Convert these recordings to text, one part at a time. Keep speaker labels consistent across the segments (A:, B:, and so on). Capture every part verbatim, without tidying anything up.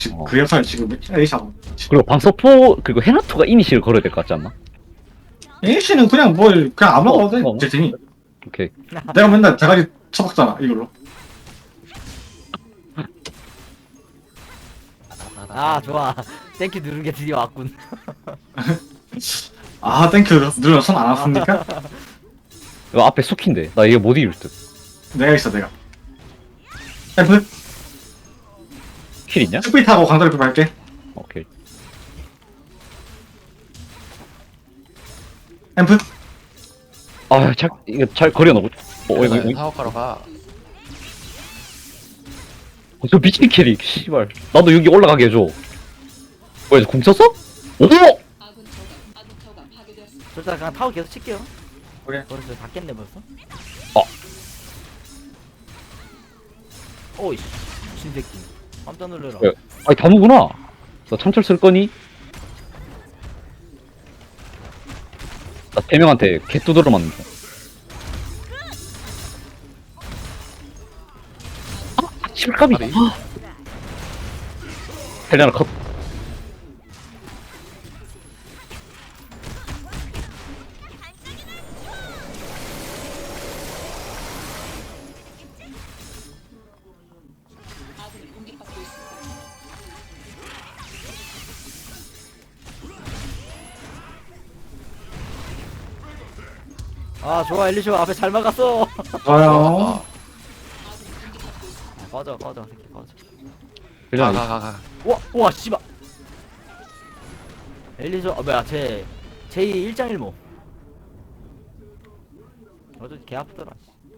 A: 지금
B: 어.
A: 그 역할 지금 에이샤고.
B: 그리고 방서포 그리고 헤나토가 이니시를 걸어야 될 것 같지 않나?
A: 에이씨는 그냥 뭐 그냥 아무나
B: 어,
A: 가도 돼.
B: 어.
A: 제 팀이.
B: 오케이.
A: 내가 맨날 대가리 쳐박잖아 이걸로.
C: 아 좋아. 땡큐 누른 게 드디어 왔군.
A: 아 땡큐 누르면 손 안 아픕니까?
B: 이거 앞에 숙인데 나 이게 못 이길 듯.
A: 내가 있어 내가. 앰프
B: 킬 있냐?
A: 스피드 타고 강다리 할게.
B: 오케이.
A: 앰프
B: 아, 잘 이거 잘 거려 놓고. 어, 이거 이거.
D: 사업하러 가.
B: 어, 저 미친 캐릭. 씨발. 나도 여기 올라가게 해줘. 뭐야, 공 쳤어? 오!
C: 저 일단 그냥 타워 계속 칠게요.
A: 그래.
C: 벌써 다 깼네 벌써.
B: 어.
C: 오이씨 미친 새끼. 깜짝 놀래라.
B: 왜? 아니, 다무구나. 나 참철 쓸 거니? 나 세 명한테 개 두드려 맞는 중. 아, 실감이.
D: 아니.
B: 아. 헬레나 컷.
C: 아 좋아 엘리쇼 앞에 잘 막았어.
A: 좋아요.
C: 꺼져 꺼져 새끼 꺼져.
B: 헬레나.
D: 가, 가, 가.
C: 우와 우와 씨발. 엘리쇼 아 뭐야 제 제이 일장일모. 어제 개 아프더라.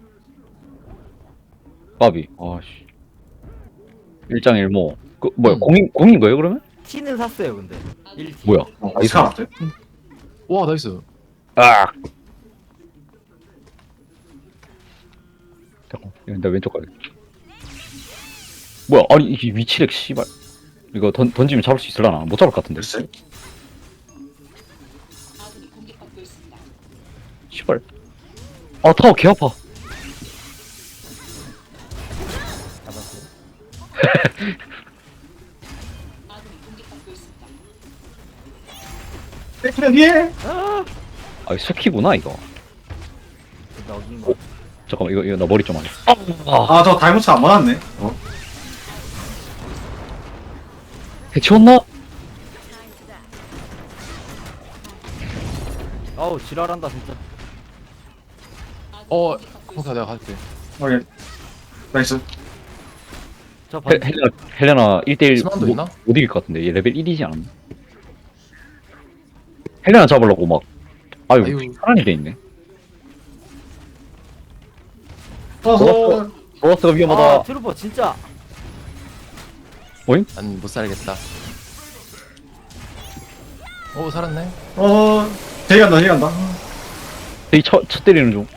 B: 까비. 아씨. 일장일모. 그 뭐야?
D: 음.
B: 공인 공인 거예요 그러면?
C: T는 샀어요 근데. 일 T.
B: 뭐야?
A: 어, 이사 왔대.
D: 와, 나이스.
B: 아. 잠깐. 이거 나 왼쪽 가야 뭐야? 아니 이게 위치렉 씨발. 이거 던 던지면 잡을 수 있을라나? 못 잡을 것 같은데.
A: 글쎄.
B: 씨발. 아 타워 개 아파.
C: 잡았어요.
A: 땡큐 뒤에.
C: 아
B: 아 이거 스키구나 이거.
C: 나 어딘 거.
B: 잠깐만 이거 이거 나 머리 좀 하자. 아.
A: 아저 다이모츠 안 맞았네. 어.
B: 해치웠나?
C: 아우 지랄한다 진짜.
D: 어, 공사 내가 갈게.
A: 오케이. 나이스.
C: 저
B: 헬,
C: 번.
B: 헬레나 헬레나 일 대일
D: 스만도
B: 못,
D: 있나?
B: 못 이길 것 같은데 얘 레벨 일이지 않았나? 헬레나 잡으려고 막 아유,
D: 아유.
B: 사람이 돼 있네.
A: 어서.
B: 로어스가 위험하다.
C: 아 트루퍼 진짜.
D: 난 못 살겠다. 오, 살았네.
A: 어. 제이 간다 제이 간다.
B: 되게 쳐, 쳐 때리는 중.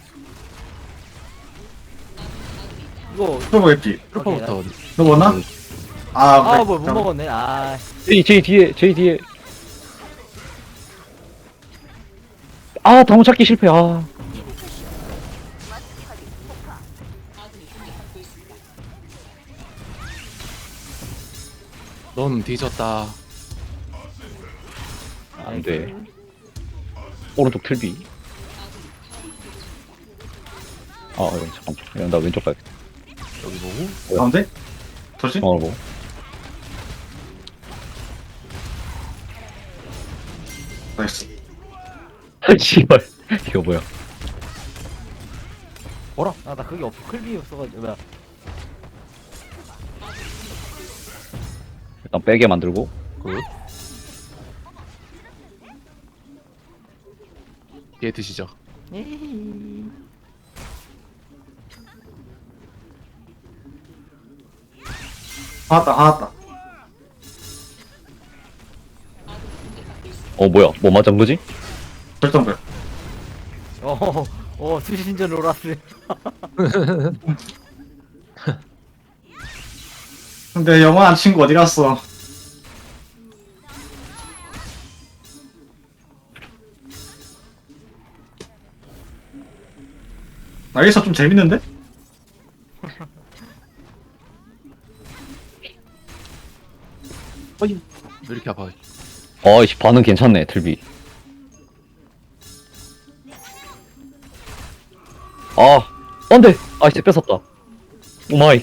C: 이거
A: 프로보 앱기.
D: 트루퍼부터 어디?
A: 너 먹었나? 아
C: 아
A: 그래.
C: 뭐 못 먹었네. 아
B: 제이 제이 뒤에 제이 뒤에. 아 다무 찾기 실패. 아.
D: 넌 뒤졌다.
B: 안 돼. 오른쪽 틀비. 아, 어, 잠깐만. 야, 나 왼쪽 가야겠다.
D: 여기 보고.
A: 가운데? 도시?
B: 어, 뭐.
A: 나이스.
B: 아, 씨발. 이거 뭐야.
C: 뭐라? 아나 그게 없어. 클비 없어가지고 뭐야.
B: 일단 빼게 만들고.
D: 굿. 얘 드시죠.
C: 에이.
A: 하았다 하았다.
B: 어, 뭐야. 뭐 맞은 거지?
A: 결정별.
C: 어, 어, 수신전 로라스.
A: 근데 영원한 친구 어디 갔어? 나 여기서 좀 재밌는데?
D: 어이 왜 이렇게 아파?
B: 어이씨 반응 괜찮네 틀비. 아 안돼. 아이씨 뺏었다. 오마이.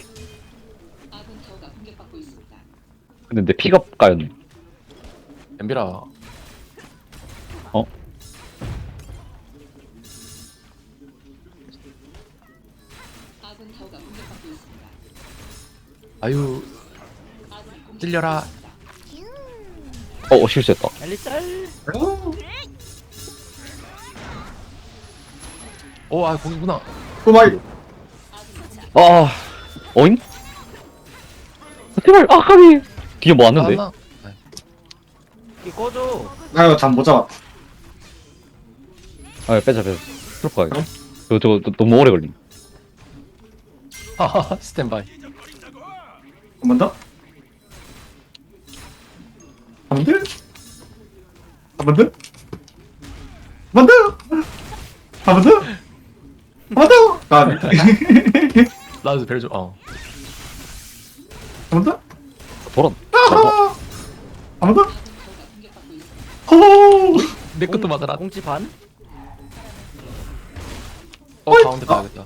B: 근데 내 피가 까였네.
D: 엠비라
B: 어?
D: 아유 찔려라.
B: 어, 어 실수했다.
C: 엘리 짤.
D: 오아 거기구나.
A: 오마이.
B: 아 어잉? 제발 아 까비. 뒤에 뭐 왔는데?
D: 나
C: 이 꺼줘.
A: 나 이거 잠 못 잡았다.
B: 아 빼자 빼자. 트럭 가야 저거 저거 너- 너무 오래 걸림.
D: 하하 스탠바이.
A: 한 번 더? 한 번 더? 한 번 더? 한 번 더? 한 번 더? 한 번 더? 아,
D: 나도 벨 좀. 어.
A: 한 번 더?
B: 돌아.
A: 아하! 한 번 더? 호!
D: 내 것도 막아라.
C: 공치 반.
D: 어 가운데 가야겠다.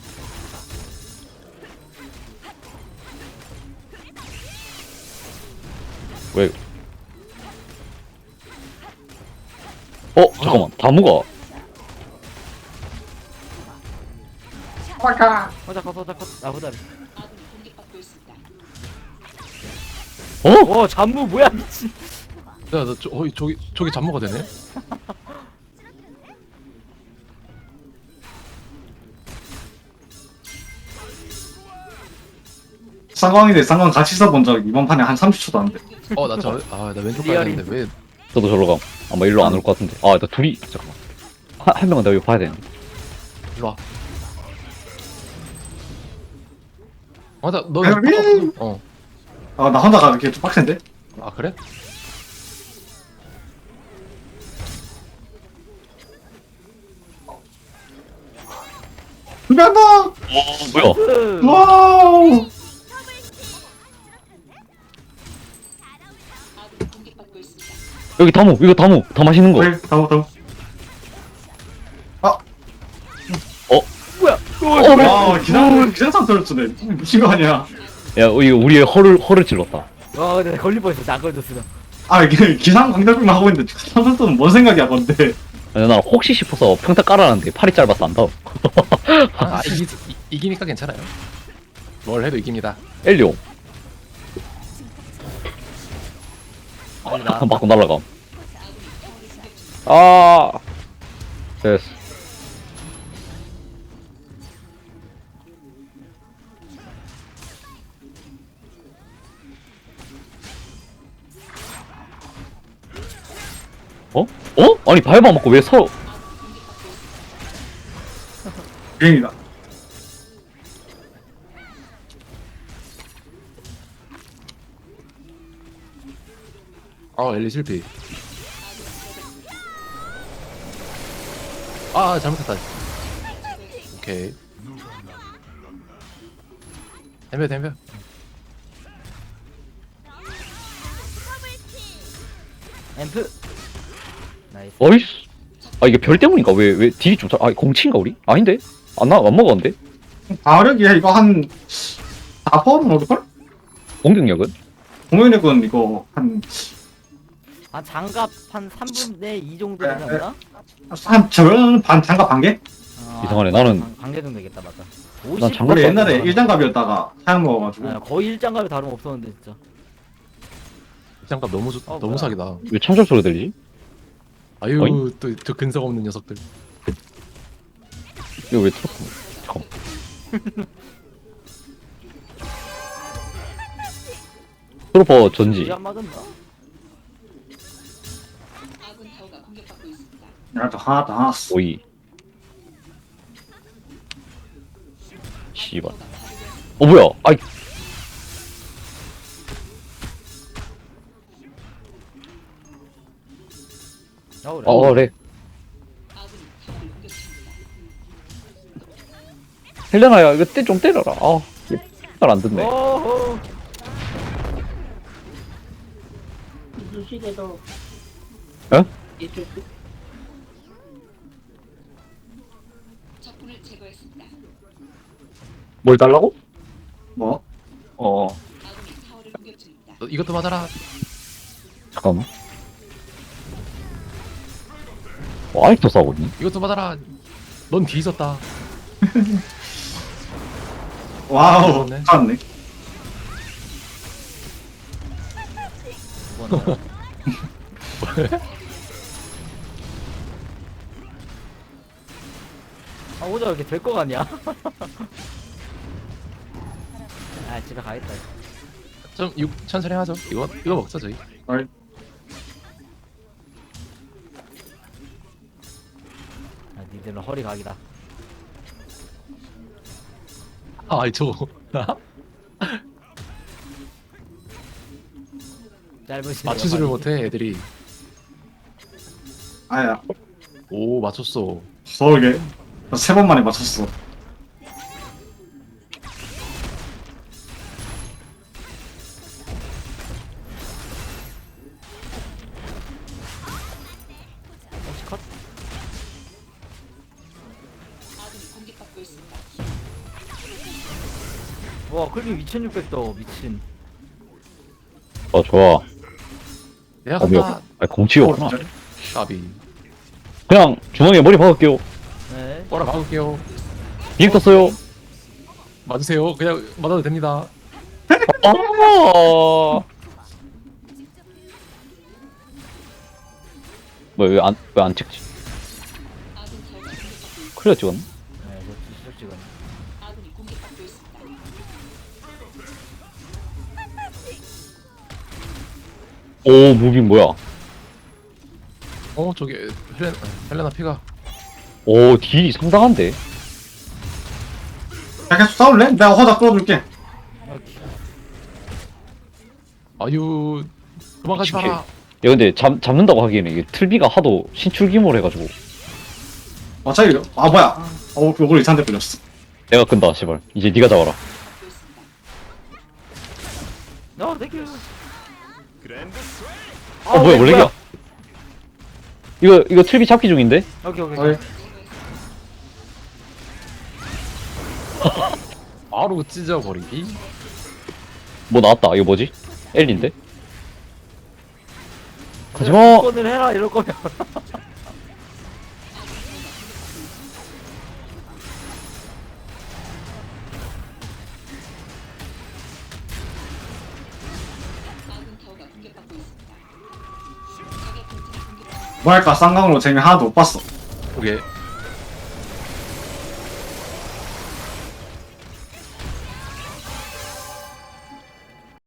B: 왜? 어 잠깐만 다무가.
A: 아까
C: 호자 컷 호자 컷. 아 호자.
B: 어?
C: 와 잠무 뭐야 미친.
D: 야나 저, 어, 저기 저기 잠모가 되네.
A: 상황인데 상황 같이 써본 적 이번 판에 한 삼십 초도 안 돼.
D: 어나저아나 왼쪽
C: 리얼이.
D: 가야 되는데 왜?
B: 저도 절로 감. 아마 일로 안 올 것 같은데. 아 나 둘이 잠깐만. 한, 한 명은 내가 이거 봐야 되는데.
D: 일로 와. 맞아 너.
A: 헬멧!
D: 어.
A: 아, 나 혼자 가는 게 좀 빡센데?
D: 아 그래?
A: 준비한다!
B: 어 뭐야?
C: 으.
A: 와우!
B: 여기 다무 이거 다무 다 마시는 거.
A: 왜? 다음, 다음.
C: 뭐야?
B: 어, 왜?
A: 와, 기상, 기상상 떨어지네. 미친 거 아니야.
B: 야 이거 우리의 허를 허를 찔렀다.
C: 와 근데 걸릴 뻔했어. 나안 걸렸으면.
A: 아, 이게 기상 강달병만 하고 있는데, 선수는 뭔 생각이야, 건데.
B: 아니, 나 혹시 싶어서 평타 깔아놨는데 팔이 짧아서 안 닿아.
D: 아 이기 이, 이기니까 괜찮아요. 뭘 해도 이깁니다.
B: 엘리오
C: 아니 나.
B: 맞고 날라가. 아 됐어. 어? 어? 아니 바이바 맞고 왜 서?
A: 비행이다.
D: 아 엘리 실패. 아 잘못했다. 오케이. 덤벼 덤벼.
C: 앰프. 나이스.
B: 어이씨. 아 이게 별 때문인가? 왜 왜 딜이 좀 잘? 아 공치인가 우리? 아닌데? 안 나 안 먹었는데?
A: 가력이야, 이거 한, 사 퍼는 오를걸?
B: 공격력은?
A: 공연력은 이거 한,
C: 한 장갑 한 삼분의 이 정도 되지 않나?
A: 한 절반, 반, 장갑 반 개?
C: 아,
B: 이상하네, 나는-
C: 반- 반개 정도 되겠다 맞다.
B: 난 장갑
A: 원래
B: 반-
A: 옛날에 일장갑이었다가 사양 먹어가지고.
C: 아, 거의 일장갑이 다름 없었는데 진짜.
D: 장갑 너무 좋,
C: 어,
D: 너무
C: 뭐야.
D: 사기다.
B: 왜 참철 소리 들리지?
D: 아유
B: 어이?
D: 또 저 근성 없는 녀석들.
B: 이거 왜 트로프? 잠깐. 트로퍼 전지.
C: 이안 맞았나?
A: 야, 또 하나 더 하나씩.
B: 오이. 씨발. 어 뭐야? 아이.
C: 아 그래.
B: 어 그래. 헬레나야 이거 때 좀 때려라. 아, 잘안 듣네.
C: 어허.
E: 이두식에도
B: 에?
E: 이쪽
F: 적군을 제거했습니다.
B: 뭘 달라고?
A: 뭐?
B: 어
F: 아군이 타워를 공격 중입니다.
D: 너 이것도 맞아라.
B: 잠깐만. 어, 아직도 싸우고 있니?
D: 이것도 맞아라. 넌 뒤 있었다.
A: 와우
D: 그렇네.
A: 살았네.
C: 뭐나. 아 오자 이렇게 될 거 같냐? 아 집에 가겠다.
D: 좀 육, 천천히 하죠. 이거 이거 먹자 저희.
A: 어이.
C: 아 니들은 허리 각이다.
D: 아, 아이 저거.
C: 짧은 시간
D: 맞추지를 못해 애들이.
A: 아야
D: 오 맞췄어.
A: 서울게 세 번 만에 맞췄어.
C: 혹시 컷?
F: 아군이 공격받고 있습니다.
C: 와 클빔 이천육백 더 미친.
B: 어 좋아.
D: 내가
B: 어 뭐야?
D: 간다.
B: 아 공치였구나.
A: 어, 진짜?
D: 까비.
B: 그냥 중앙에 머리 박을게요.
C: 네.
D: 뭐라 막을게요.
B: 비행 떴어요.
D: 맞으세요. 그냥 맞아도 됩니다.
B: 아. 뭐왜안 왜 안 찍지?
F: 아군 타워가 공격받고 있습니다.
B: 클리어 찍었나?
C: 네, 저 지속 찍은.
F: 아군이 공격받고 있습니다.
B: 오 무빙 뭐야?
D: 어 저기 헬레 헬레나 피가.
B: 오 딜이 상당한데?
A: 야 계속 싸울래? 내가 허자 끌어줄게.
D: 아유 도망가지
B: 미친
D: 마라.
B: 야 근데 잡, 잡는다고 하기에는 이게 틀비가 하도 신출귀몰 해가지고
A: 어차피 아 뭐야? 어 요걸 이찬데 끌렸어.
B: 내가 끈다 씨발. 이제 네가 잡아라.
F: 받고 있습니다.
C: 어 땡큐.
B: 어 뭐야 원래야? 이거 이거 틀비 잡기 중인데?
C: 오케이 오케이.
A: 어이.
D: 바로 찢어버리기.
B: 뭐 나왔다. 이거 뭐지? 엘리인데? 하지마.
C: 건을 해라 이럴 거면.
F: 아군 타워가 공격받고 있습니다. 적의 본진을 공격합니다.
A: 뭐랄까 쌍강으로 재미 하나도 못 봤어.
D: 그게